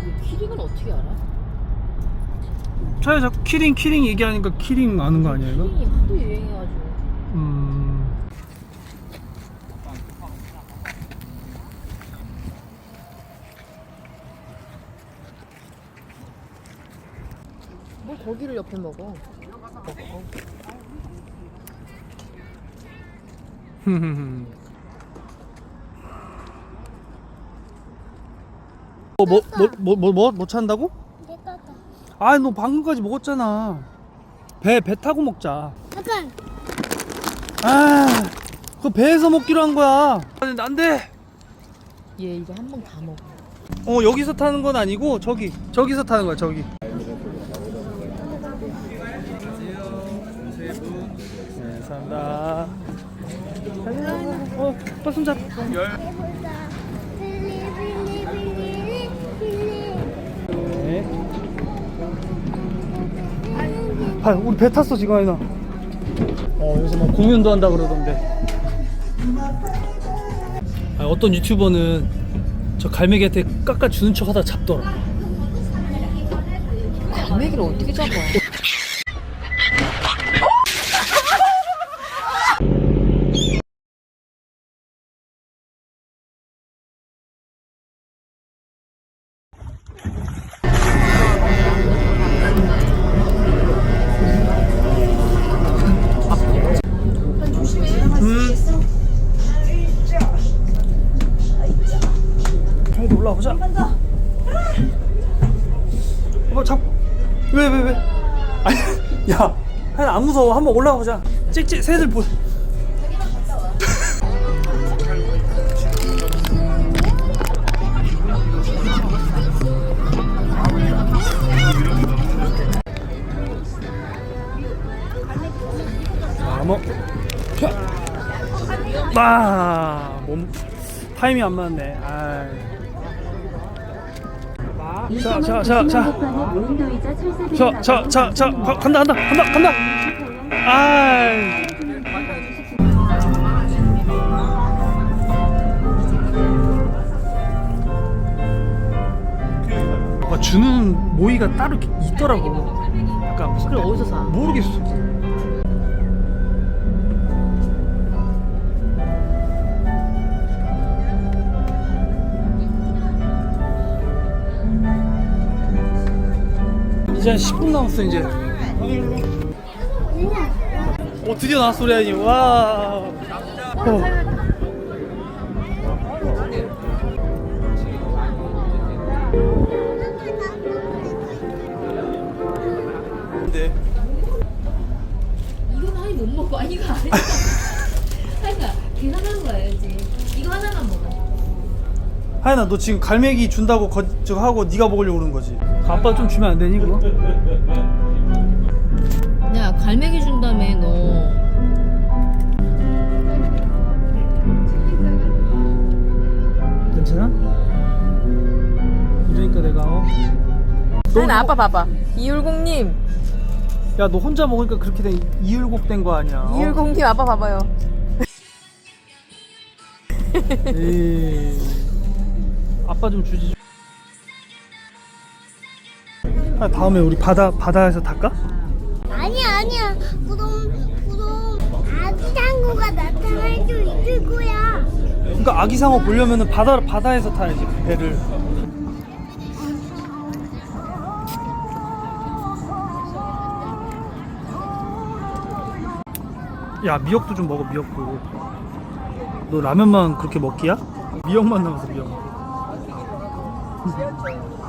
키링은 어떻게 알아? 차에 자꾸 키링 얘기하니까 키링 아는 거 아니야 이거? 키링이 하도 유행해가지고. 뭘 고기를 옆에 먹어? 뭐 찬다고? 아, 너 방금까지 먹었잖아. 배 타고 먹자. 잠깐. 아, 그거 배에서 먹기로 한 거야. 안 돼. 얘 이거 한 번 다 먹어. 여기서 타는 건 아니고 저기서 타는 거야, 저기. 새해 복. 네, 감사합니다. 오빠 손잡. 네. 아, 우리 배 탔어 지금 아이나. 여기서 뭐 공연도 한다 그러던데. 어떤 유튜버는 저 갈매기한테 깎아주는 척 하다 잡더라. 갈매기를 어떻게 잡아? 형도 올라오자. 왜? 아니, 야, 하나 안 무서워. 한번 올라가보자. 찍찍, 새들 보. 몸 타이밍 안 맞네. 자, 간다. 주는 모이가 따로 있더라고. 약간 무슨. 그걸 어디서 사? 모르겠어. 이제 한 10분 남았어 이제. 드디어 나왔어 우리 아이. 와. 근데 이건 아니 못 먹고 이거 안 해. 그러니까 계산하는 거야 이제. 이거 하나만 먹어. 하연아, 너 지금 갈매기 준다고 저거 하고 네가 먹으려고 그러는 거지? 아빠 좀 주면 안 되니 그거? 야 갈매기 준다며 너. 괜찮아? 이러니까 내가 하연아 아빠 봐봐. 이율공님. 야, 너 혼자 먹으니까 그렇게 된 이율곡 된 거 아니야? 이율공님 아빠 봐봐요. 에이, 아빠 좀 주지. 다음에 우리 바다에서 탈까? 아니야. 그럼 아기 상어가 나타날 수 있을 거야. 그러니까 아기상어 보려면은 바다에서 타야지 배를. 야, 미역도 좀 먹어. 미역도. 너 라면만 그렇게 먹기야? 미역만 남았어. 미역.